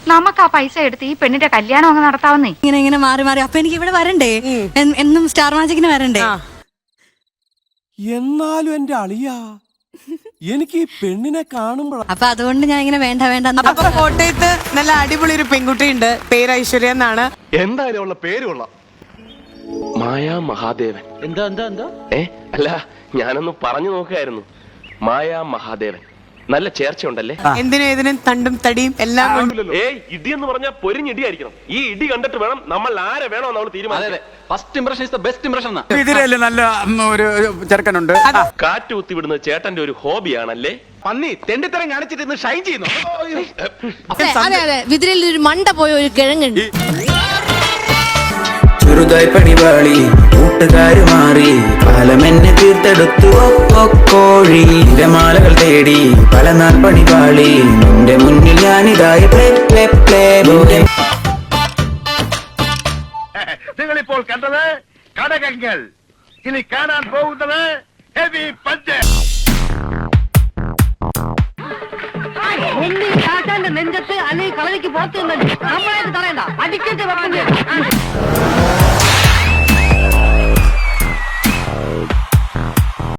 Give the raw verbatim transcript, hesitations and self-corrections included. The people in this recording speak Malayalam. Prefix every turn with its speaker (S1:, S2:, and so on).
S1: നമുക്ക് ആ പൈസ എടുത്ത് ഈ പെണ്ണിന്റെ കല്യാണം അങ്ങ് നടത്താവുന്നേ.
S2: ഇങ്ങനെ ഇങ്ങനെ മാറി മാറി അപ്പൊ എനിക്ക് ഇവിടെ വരണ്ടേ, എന്നും സ്റ്റാർ മാജിക്കിന് വരണ്ടേ?
S3: എന്നാലും എന്റെ അളിയാ, എനിക്ക് ഈ പെണ്ണിനെ കാണുമ്പോൾ
S2: അപ്പൊ അതുകൊണ്ട് ഞാൻ ഇങ്ങനെ വേണ്ട വേണ്ട.
S4: അപ്പൊ കോട്ടയത്ത് നല്ല അടിപൊളി ഒരു പെൺകുട്ടി ഉണ്ട്, പേര് ഐശ്വര്യ എന്നാണ്.
S5: എന്തായാലും ഉള്ള പേര് കൊള്ളാം, മായാ മഹാദേവൻ.
S6: എന്താ എന്താ എന്താ
S5: ഏ അല്ല, ഞാനൊന്ന് പറഞ്ഞു നോക്കായിരുന്നു. മായാ മഹാദേവൻ നല്ല ചേർച്ച ഉണ്ടല്ലേ.
S4: എന്തിനും ഏതിനും തണ്ടും തടിയും എല്ലാം കൊണ്ടും.
S5: ഏയ് ഇടി എന്ന് പറഞ്ഞാൽ പൊരിഞ്ഞിടിയായിരിക്കണം. ഈ ഇടി കണ്ടിട്ട് വേണം നമ്മൾ ആരെ വേണോ നമ്മൾ തീരുമാനം.
S6: First impression is the best impression.
S7: ഇതിലല്ലേ നല്ല ഒരു ചെറുക്കനുണ്ട്.
S5: കാറ്റ് കുത്തി വിടുന്നത് ചേട്ടന്റെ ഒരു ഹോബിയാണല്ലേ.
S6: പന്നി തെണ്ടിത്തരം കാണിച്ചിട്ട് ഇന്ന് ഷൈൻ ചെയ്യുന്നു.
S8: അതെ അതെ, വിതിരയിൽ ഒരു മണ്ട പോയ ഒരു കിഴങ്ങുണ്ട്.
S9: ചെറുതായി പണിപാളി കൂട്ടുകാര് മാറി കാലം എന്നെ തീർത്തെടുത്തു കോഴി മാലകൾ തേടി പല നാൾ പണിപാളി നിന്റെ മുന്നിൽ ഞാനിതായി
S5: നിങ്ങളിപ്പോൾ കണ്ടത് കടകങ്ങൾ, ഇനി കാണാൻ പോകുന്നത് ഹെവി പഞ്ച്.
S1: നെഞ്ചത്ത് അല്ലെങ്കിൽ കളരിക്ക് പുറത്ത് നമ്മളായിട്ട് തറയണ്ട, അടിക്കട്ട് വെക്കുന്നത്.